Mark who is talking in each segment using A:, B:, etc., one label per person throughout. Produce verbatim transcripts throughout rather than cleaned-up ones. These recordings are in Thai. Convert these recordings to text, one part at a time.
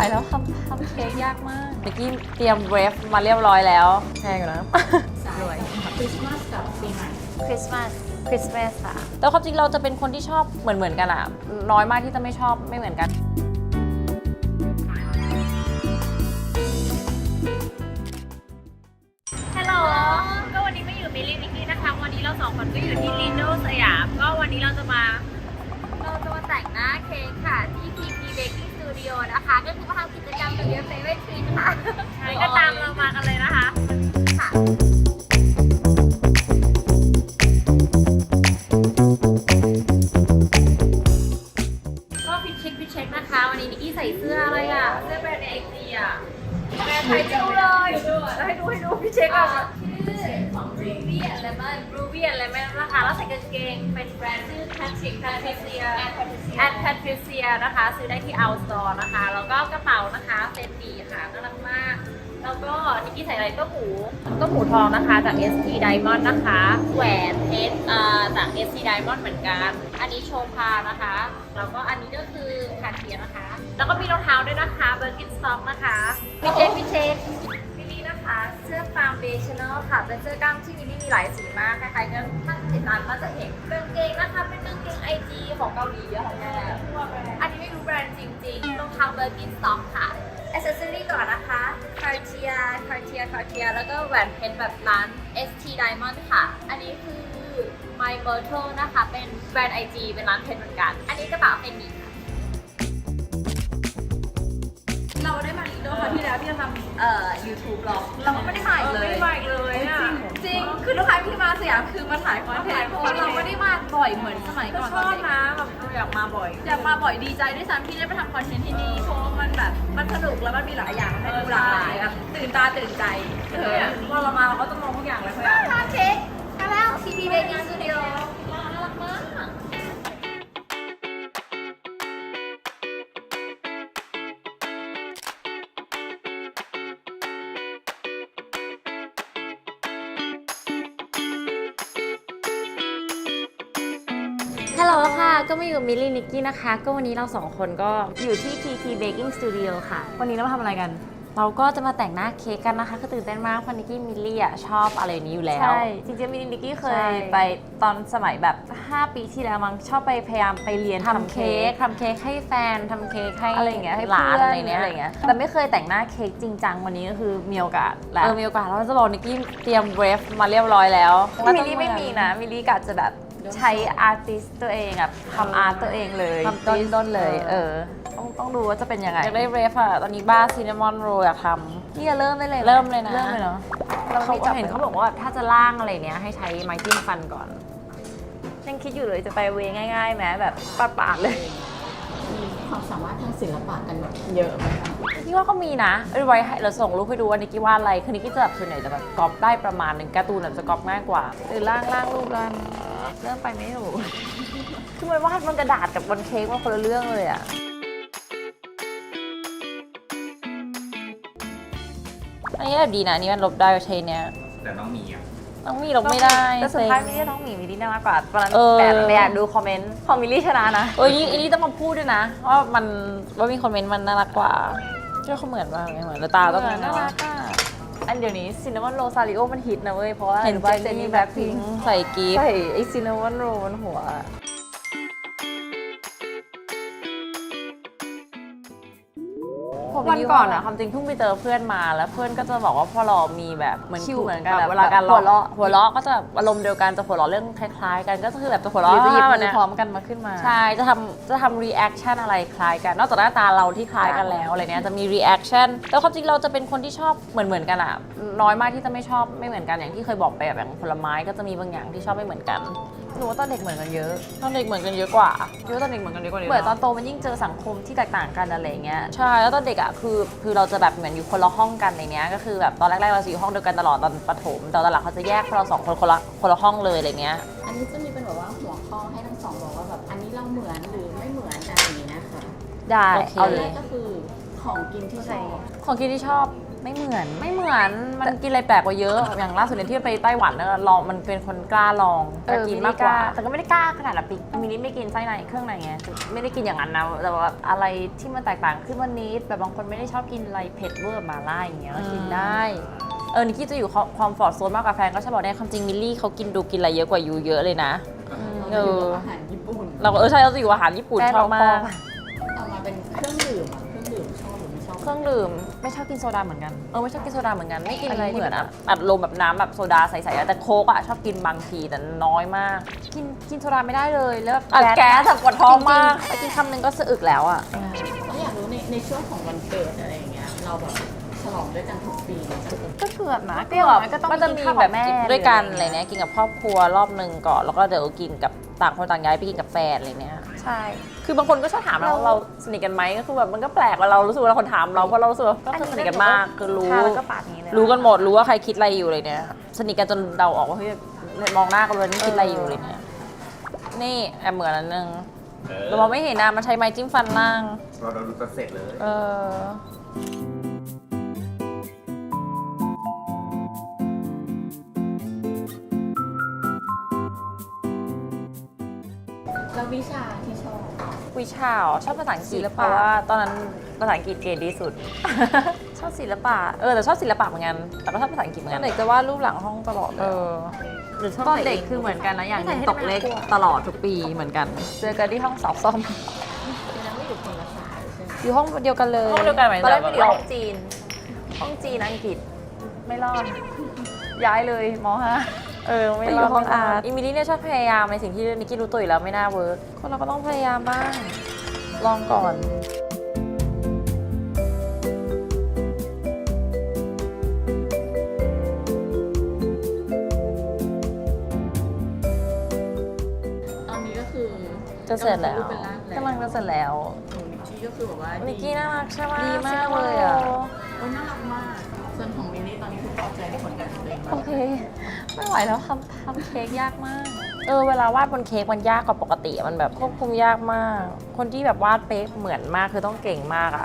A: ไหวแล้วทำทำเค้กยากมากเมื่อกี้เตรียมเวฟมาเรียบร้อยแล้วแพงอยู่นะรวย
B: คริสต์มาสกับปีใหม่
A: คริสต์มาสคริสต์มาสค่ะแต่ความจริงเราจะเป็นคนที่ชอบเหมือนเหมือนกันอะน้อยมากที่จะไม่ชอบไม่เหมือนกันฮัลโหลก็วันนี้ไม่อยู่มิลลี่นิกกี้นะคะวันนี้เราสองคนก็อยู่ที่ลินโดสยามก็วันนี้เราจะมาเราจะมาแต่งหน้าเค้กค่ะที่ พี พี Baking Studio นะคะก็คือมาทำกิจกรรมกับเดียเฟเวอร์ทรีนค่ะก็ตามเรามากันเลยนะคะค่ะก็พิชเช็คพิชเช็คนะคะวันนี้นิกกี้ใส่เสื้ออะไรอ่ะเสื้อแบรนด์ไอจีอ่ะแบรนด์ไทยดูเลยแล้วให้ดูให้ดูพิชเช็คอ่ะชื่อของ Ruby and Lemon Ruby and Lemon นะคะแล้วใส่กางเกงเป็นแบรนด์ชื่อ Patrick Patricia and Patricia นะคะซื้อได้ที่ Outstore นะคะแล้วก็กระเป๋านะคะเฟนดีค่ะน่ารักมากแล้วก็นิกกี้ใส่อะไรก็หมูก็หมูทองนะคะจาก เอส ที Diamond นะคะแหวนเพชรเอ่อจาก เอส ที Diamond เหมือนกันอันนี้โชพานะคะแล้วก็อันนี้ก็คือคาเทียนะคะแล้วก็มีรองเท้าด้วยนะคะ Birkenstock นะคะพิเชษพิเชษมิลลี่นะคะเสื้อ Foundational ค่ะเป็นเสื้อกล้ามที่มิลลี่มีหลายสีมากใครๆก็ถ้าติดตามก็จะเห็นกางเกงนะคะเป็นกางเกง ไอ จี ของเกาหลีอะค่ะแม่อันนี้ไม่รู้แบรนด์จริงๆรองเท้า Birkenstock ค่ะAccessory ก่อนนะคะ Cartier Cartier Cartier แล้วก็แหวนเพชรแบบร้าน เอส ที Diamond ค่ะ อันนี้คือ My Myrtle นะคะ เป็นแบรนด์ ไอ จี เป็นร้านเพชรเหมือนกัน อันนี้กระเป๋าเป็นนี้ค่ะเราได้มาอีกด้วยครั้งที่แล้วที่เราทำเอ่อ YouTube หรอเราก็ไม่ได้มาอีกเลยไม่ได้มาอีกเลยอ่ะจริง คือทุกครั้งที่มาสยามคือมาถ่ายคอนเทนต์เพราะว่าเราไม่ได้มาบ่อยเหมือนสมัยก่อนชอบนะแบบอยากมาบ่อยอยากมาบ่อยดีใจด้วยซ้ำที่ได้ไปทำคอนเทนต์ที่นี่เพราะว่ามันแบบมันสนุกแล้วมันมีหลายอย่างให้ดูหลากหลายอะตื่นตาตื่นใจเออพอเรามาเราก็ต้องมองทุกอย่างเลยเขาอยากทานเค้กมาแล้ว พี พี Baking Studio น่ารักมากฮัลโหลค่ะ ก็มาอยู่กับมิลลี่นิกกี้นะคะ ก็วันนี้เราสองคนก็อยู่ที่ พี พี Baking Studio ค่ะ วันนี้เรามาทำอะไรกัน เราก็จะมาแต่งหน้าเค้กกันนะคะ ก็ตื่นเต้นมากเพราะนิกกี้มิลลี่อ่ะชอบอะไรนี้อยู่แล้ว ใช่ จริงๆมิลลี่นิกกี้เคยไปตอนสมัยแบบ ห้า ปีที่แล้วมั้งชอบไปพยายามไปเรียนทำเค้กทำเค้กให้แฟนทำเค้กให้อะไรอย่างเงี้ยให้หลานอะไรเนี้ยอะไรเงี้ยแต่ไม่เคยแต่งหน้าเค้กจริงจังวันนี้ก็คือมีโอกาสแล้วเออมีโอกาสแล้วจะบอกนิกกี้เตรียมเวฟมาเรียบร้อยแล้วมิลลี่ไม่มีนะมิลลี่กะจะแบบใช้อาร์ติสตัวเองอะทำอาร์ตตัวเองเลยทำต้นต้นเลยเออต้องต้องดูว่าจะเป็นยังไงอยากได้เรฟอะตอนนี้บ้าซินนามอนโรลอยากทำนี่จะเริ่มได้เลยเริ่มเลยนะเริ่มเลยเนาะเขาเห็นเขาบอกว่าถ้าจะล่างอะไรเนี้ยให้ใช้ไม้จิ้มฟันก่อนยังคิดอยู่เลยจะไปเวง่ายๆไหมแบบปาดๆเลย
B: มีความสามารถทางศิลปะกันเยอะไหมคะ
A: พี่ว่าก็มีนะเอาไว้ให้เราส่งรูปให้ดูว่านิกกี้วาดอะไรคือนิกกี้จะแบบส่วนใหญ่จะแบบก๊อปได้ประมาณหนึ่งการ์ตูนแบบจะก๊อปง่ายกว่าหรือล่างล่างรูปล่างเริ่มไปไม่ถูกคือมันวาดบนกระดาษกับบนเค้กว่าคนละเรื่องเลยอะอันนี้แบบดีนะอันนี้มันลบได้ใช้เนี้ย
C: แต่ต้องมีอ่ะ
A: ต้องมีลบไม่ได้แต่สุดท้ายมิลลี่ต้องมีมิลลี่น่ามากกว่าตอนนั้นแบบไปอ่านดูคอมเมนต์ของมิลลี่ชนะนะเอออันนี้ต้องมาพูดด้วยนะว่ามันว่ามีคอมเมนต์มันน่ารักกว่าเจ้าเขาเหมือนมากเลยเหมือนตาต้องน่ารักอ่ะอันเดี๋ยวนี้ซินนามอนโรซาริโอมันฮิตนะเว้ยเพราะว่าเห็นว่าเจนนี่แบล็คพิงค์ใส่กีฟใส่ไอซินนามอนโรบนหัววันก่อนอะความจริงเพิ่งไปเจอเพื่อนมาแล้วเพื่อนก็จะบอกว่าพอเรามีแบบเหมือนคิวเหมือนกันเวลาการหัวเราะหัวเราะก็จะอารมณ์เดียวกันจะหัวเราะเรื่องคล้ายๆกันก็คือแบบจะหัวเราะจะหยิบมือพร้อมกันมาขึ้นมาใช่จะทำจะทำรีแอคชั่นอะไรคล้ายกันนอกจากหน้าตาเราที่คล้ายกันแล้วอะไรเนี้ยจะมีรีแอคชั่นแต่ความจริงเราจะเป็นคนที่ชอบเหมือนเหมือนกันอะน้อยมากที่จะไม่ชอบไม่เหมือนกันอย่างที่เคยบอกไปแบบอย่างผลไม้ก็จะมีบางอย่างที่ชอบไม่เหมือนกันหนูว่าตอนเด็กเหมือนกันเยอะตอนเด็กเหมือนกันเยอะกว่าเยอะตอนเด็กเหมือนกันเยอะกว่าเหมือนตอนโตมันยิ่งเจอสังคมที่แตกต่างกันอะไรเงี้ยใช่แล้วตอนเด็กอ่ะคือคือเราจะแบบเหมือนอยู่คนละห้องกันในเนี้ยก็คือแบบตอนแรกๆเราอยู่ห้องเดียวกันตลอดตอนประถมแต่ตอนหลังเขาจะแยกเราสองคนคนละคนละห้องเลยอะไรเงี้ย
B: อันนี้จะมีเป็นแบบว่าหัวข้อให้ทั้งสองบอกว่าแบบอันนี้เราเหมือนหรือไม่เหมือนอะไรอย่างนี้นะคะ
A: ได้
B: เอาแรกก็คือของกินที่ชอบ
A: ของกินที่ชอบ
C: ไม่เหมือนไม่เหมือนมันกินอะไรแปลกกว่าเยอะ อย่างล่าสุดเนี่ยที่ไปไต้หวันเนี่ยลองมันเป็นคนกล้าลองกล้ากินมากกว่าแต่ก็ไม่ได้กล้าขนาดแบบมินิไม่กินไส้ในเครื่องในไงไม่ได้กินอย่างนั้นนะแต่ว่าอะไรที่มันแตกต่างขึ้นวันนี้แบบบางคนไม่ได้ชอบกินอะไรเผ็ดเวอร์มาล่าอย่างเงี้ยก็กินได้เออนิกกี้จะอยู่ความฟอร์ตโซนมากกว่าแฟนก็ชอบบอกเนี่ยความจริงมิลลี่เขากินดูกินอะไรเยอะกว่ายูเยอะเลยนะเออ
B: อาหารญี่ปุ่น
C: เราก็เออใช่เราจะอยู่อาหารญี่ปุ่นชอบมาก
B: เอามาเป็นเครื่องดื่มอ่ะเครื่องดื่มชอบหรือไม่ชอบ
C: เครื่องดื่มไม่ชอบกินโซดาเหมือนกันเออไม่ชอบกินโซดาเหมือนกันไม่กินอะไร
B: อะไรที่
C: เหมือนอะอัดลมแบบน้ำแบบโซดาใสๆอะแต่โค้กอะชอบกินบางทีแต่น้อยมาก กินกินโซดาไม่ได้เลยแล้วแบบแก๊สแบบปวดท้องมากไปกินคำนึงก็สะอึกแล้วอะ
B: แล้วอยากรู้ในในช่วงของวันเกิดอะไรอย่างเงี้ยเราแบบฉลองด้วยกันทุกปีไหม
C: ก็เกือบนะ
B: ก็อย่างน้อยก็ต้อง
C: มันจะ
B: มี
C: มี
B: กินข้าว
C: แบ
B: กับบ แม่
C: กินด้วยกัน
B: หรือ
C: อะ
B: อะไร ไรเงี้
C: เนี้ย
B: ย
C: กินกับครอบครัวรอบหนึ่งก่อนแล้วก็เดี๋ยวกินกับต่างคนต่างย้ายไปกินกับแฟนอะไรเนี้ย
B: ใช่
C: คือบางคนก็ชอบถามเราว่าเราสนิทกันไหมก็คือแบบมันก็แปลกว่าเรารู้สึกว่าเราคนถามเราเพราะเรารู้สึกว่าก็คือสนิทกันมากคือรู้
B: ค่ะแล้วก็ปาดนี้เลย
C: รู้กันหมดรู้ว่าใครคิดอะไรอยู่เลยเนี่ยสนิทกันจนเดาออกว่าเฮ้ยมองหน้ากันเลยนี่คิดอะไรอยู่เลยเนี่ยนี่แอบเหมือนอันนึงเรามองไม่เห็นนะมันใช้ไม้จิ้มฟันล่าง
D: เราเราดูจะเสร็จเลย
C: เออ
B: แล้ววิชาที่ชอบ
C: วิชาเหรอชอบภาษาอังกฤษ
B: ศิล
C: เพ
B: ปะ
C: ราะว่าตอนนั้นภาษาอังกฤษเกรดดีสุด ชอบศิลปะเออแต่ชอบศิลปะเหมือนกันแต่ก็ชอบภาษาอังกฤษเหมือนกัน
B: เด็กจะวาดรูปหลังห้องตลอดเล
C: เอย อหรือชอบ
B: ตอน
C: ใส่
B: เด็ก
C: ง
B: คือเหมือนกันนะอย่างหนึ่ง
C: ใส่ให้
B: ตกเลข
C: น่ากลัว
B: ตลอดทุกปีเหมือนกัน
C: เจอกันที่ห้องสอบซ่อม
B: ยังไม่อยู่คนละสายใช่ไหม
C: อยู่ห้องเดียวกันเลยห้องเดียวกันไหม
B: ตอนแรกไม่ได้อยู่
C: เรา
B: ห้องจีน
C: ห้องจีนอังกฤษไม่รอด ย้ายเลยมห้าเออไม่รอด
B: ไปอยู่ห้องอาร์ต
C: อิมิลี่เนี่ยชอบพยายามในสิ่งที่นิกกี้รู้ตัวอยู่แล้วไม่น่าเวิร์กคนเราก็ต้องพยายามบ้าง ลองก่อน
B: ตอนนี้ก็คือ
C: จะเสร็จแล้ว
B: เป็นร่าง
C: กำลังจะเสร็จแล้ว
B: นิกกี้ก็คือแบบว่า
C: นิ
B: นิ
C: กกี้น่ารักใช่ไหม
B: ดีมากเลยอ่ะโอ้ยน่ารักมาก ส่วนของมินนี่ตอนนี้คือพอใจในผลงานของตัวเอง
C: โอ
B: มาก
C: เค ไม่ไหวแล้วทำทำเค้กยากมาก เออเวลาวาดบนเค้กมันยากกว่าปกติอะมันแบบควบคุมยากมาก คนที่แบบวาดเป๊ะเหมือนมากคือต้องเก่งมากอะ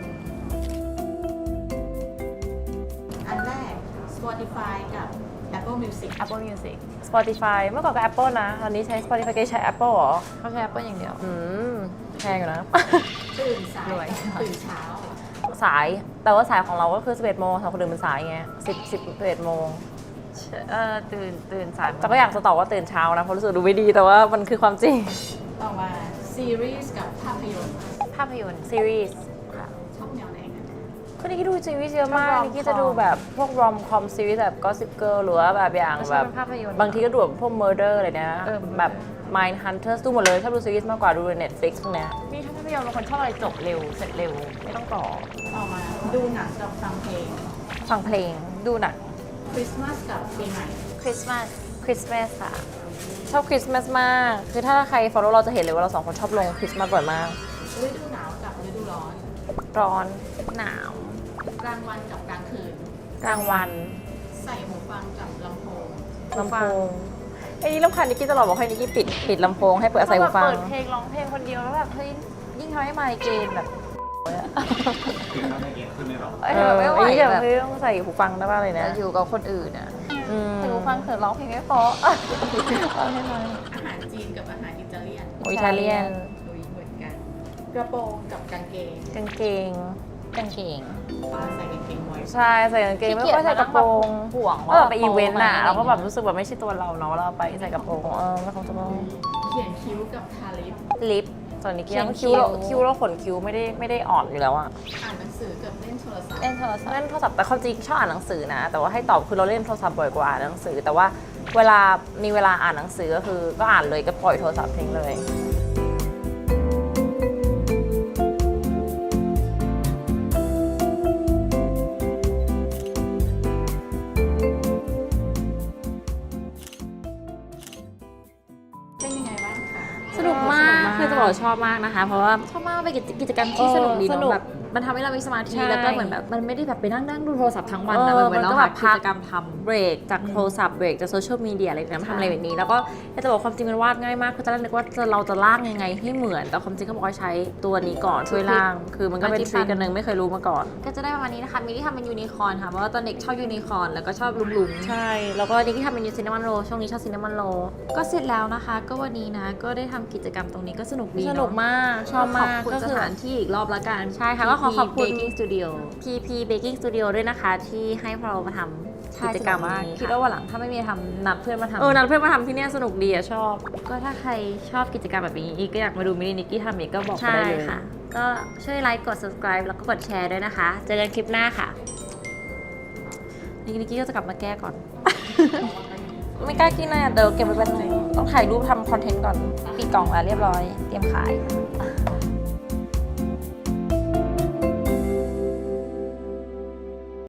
B: อันแรก Spotify กับ Apple Music
C: Apple Music Spotify เมื่อก่อนก็ Apple นะ ตอนนี้ใช้ Spotify ก็ใช้ Apple เหรอ
B: เขาใช้ Apple อย่างเดียว
C: อืมแพงอยู่นะ
B: ตื่นสาย
C: รวย
B: ตื่นเช้า
C: สาย แต่ว่าสายของเราก็คือ สิบเอ็ดโมงสำหรับคนอื่นมันสายไงสิบ สิบ สิบเอ็ดโมง
B: เออตื่นตื่นสาย
C: แต่ก็อยากจะตอบว่าตื่นเช้านะ เพราะรู้สึกดูไม่ดี แต่ว่ามันคือความจริง
B: ต่อมาซีรีส์กับภาพยนตร์
C: ภาพยนตร์ซีรีส์
B: ชอบแนวไหนกัน
C: ก็นิกกี้ดูซีรีส์เยอะมาก
B: ชอบ rom-com
C: นิกกี้จะดูแบบพวก rom com ซีรีส์แบบ Gossip Girl หรือว่าแบบอย่าง
B: ไม่
C: แบ
B: ใช่
C: บ
B: เป็นภาพยนตร์
C: บางทีก็ดูแบบพวก murder อะไรเนี้ย
B: เออ
C: แบบ Mind Hunters ดูหมดเลยชอบดูซีรีส์มากกว่าดูใน Netflix พวกเนี้ยนี่ถ้าภาพยนตร์บางคนชอบอะไรจบเร็ว เสร็จเร็ว ไม่ต้องต่อ
B: ต่อมาดูหนังกับฟังเพลง
C: ฟังเพลงดูหนัง
B: คริสต์มาสกับปีใหม่
C: คริสต์มาสคริสต์มาสค่ะชอบคริสต์มาสมากคือถ้าใคร follow เราจะเห็นเลยว่าเราสองคนชอบลงคริสต์มาสบ่อยมาก
B: ฤดูหนาวกับฤดูร้อน
C: ร้อนหนาว
B: กลางวันกับกลางคืน
C: กลางวัน
B: ใส่หูฟังกับลำโพง
C: ลำโพงไอ้นี่รำคาญนิกกี้ตลอดบอกให้นิกกี้ปิดปิดลำโพงให้เปิดใส่หูฟัง
B: เปิดเพลงร้องเพลงคนเดียวแล้วแบบเฮ้ย
C: ยิ่งทำให้ไมเกรนแบบ
D: คือทำให้เกมขึ้นเลยเหรอ
B: เอ้ยแบบไม่ไหว
C: ไอ้นี่แบบ
B: แบบ
C: เฮ้ยต้องใส่หูฟังได้ป่ะเลยนะ
B: อยู่กับคนอื่นอ่ะ
C: อืม
B: ใส่หูฟังเขินร้องเพลงไม่เพราะร้องให้น้อยอาหารจีนกับอาหารอิตาเลียน
C: อิตาเลียน
B: ดุยเหมือนกัน กระโปรงกับกางเกง
C: กางเกงกางเกง
B: ฟ้าใส่กางเกงไว้
C: ใช่ใส่กางเกงไม่ค่อยใส่กระโปรง
B: ห่วง
C: ว่าแบบไปอีเวนต์อ่ะเราก็แบบรู้สึกแบบไม่ใช่ตัวเราเนาะเราไปใส่กระโปรงเออไม่คงจะต้อง
B: เขียนคิ้วกับทาลิป
C: ลิปส่วนนี้
B: เขียน
C: คิ้วเรา
B: คิ้ว
C: คิ้วเราขนคิ้วไม่ได้ไม่ได้อ่อนอยู่แล้วอะ
B: อ่านหนังสือกับเล่นโทรศัพท์
C: เล่นโทรศัพท์เล่นโทรศัพท์แต่ความจริงชอบอ่านหนังสือนะ แต่ว่าให้ตอบคือเราเล่นโทรศัพท์บ่อยกว่าอ่านหนังสือ แต่ว่าเวลามีเวลาอ่านหนังสือก็คือก็อ่านเลยก็ปล่อยโทรศัพท์ทิ้งเลย
B: เป็นยังไงบ้างคะ
C: สนุกมาก คือจะบอกว่าชอบมากนะคะ เพราะว่าชอบมากเป็นกิจกิจกรรมที่สนุกดี
B: ส
C: เนาะ
B: นุก
C: แบบ
A: มันทำให้เรามีสมาธิ
C: ใช่
A: แล้วก็เหมือนแบบมันไม่ได้แบบไปนั่งนั่งดูโทรศัพท์ทั้งวันนะ
C: เออ
A: เหมือน
C: มัน
A: เรา
C: ก็
A: หา
C: แบบ
A: กิ
C: พัก
A: จกรรมทำ
C: เบรกจากโทรศัพท์เบรกจากโซเชียลมีเดียอะไรแบบนี้มาทำอะไรแบบนี้ แล้วก็อยากจะบอกความจริงมันวาดง่ายมากคือตอนแรกนึกว่าจะเราจะล่างยังไงให้เหมือนแต่ความจริงเขาบอกว่าใช้ตัวนี้ก่อนช่วยล่าง คือมันก็เป็นทริคกันหนึ่งไม่เคยรู้มาก่อน
A: ก็จะได้ประมาณนี้นะคะมิลลี่ทำเป็นยูนิคอร์นค่ะเพราะว่าตอนเด็กชอบยูนิคอร์นแล้วก็ชอบลุงๆ
C: ใช่แล้วก็นี่ที่ทำเป็นยูซินนามอนโรช่วงนี้ชอบซินนามอนโร
A: ก็เสร็จแล้วนะคะ ก็วันนี้นะก็ได้ทำกิจกรรมตรงนี้ก็สนุกดี
C: สนุกมากชอบ
A: ข
C: มา
A: อบ
C: ก
A: คุณ
C: ก็
A: ส
C: คือ
A: ถานที่อีกรอบละกัน
C: ใช่ค่ะก็ขอขอบคุณ
A: Baking Studio
C: พี พี Baking Studio ด้วยนะคะที่ให้เรามาทำกิจกรรม
A: มาก
C: นี้
A: คิด
C: ค่ะ
A: ว่าวันหลังถ้าไม่มีทำนัดเพื่อนมาทำ
C: เออนัดเพื่อนมาทำที่เนี่ยสนุกดีอะชอบ
A: ก็ถ้าใครชอบกิจกรรมแบบนี้อีกก็อยากมาดูมิลลี่นิกกี้ทำอีกก็บอกมา
C: ใช่
A: ได้เลย
C: ค่ะ ก็ช่วยไลค์กด subscribe แล้วก็กดแชร์ด้วยนะคะ เจอกันคลิปหน้าค่ะนิกกี้ก็จะกลับมาแก้ก่อน ไม่กล้ากินนะเดี๋ยวเก็บไว้เป็นงต้องถ่ายรูปทำคอนเทนต์ก่อนปิดกล่องแล้วเรียบร้อย เตรียมขาย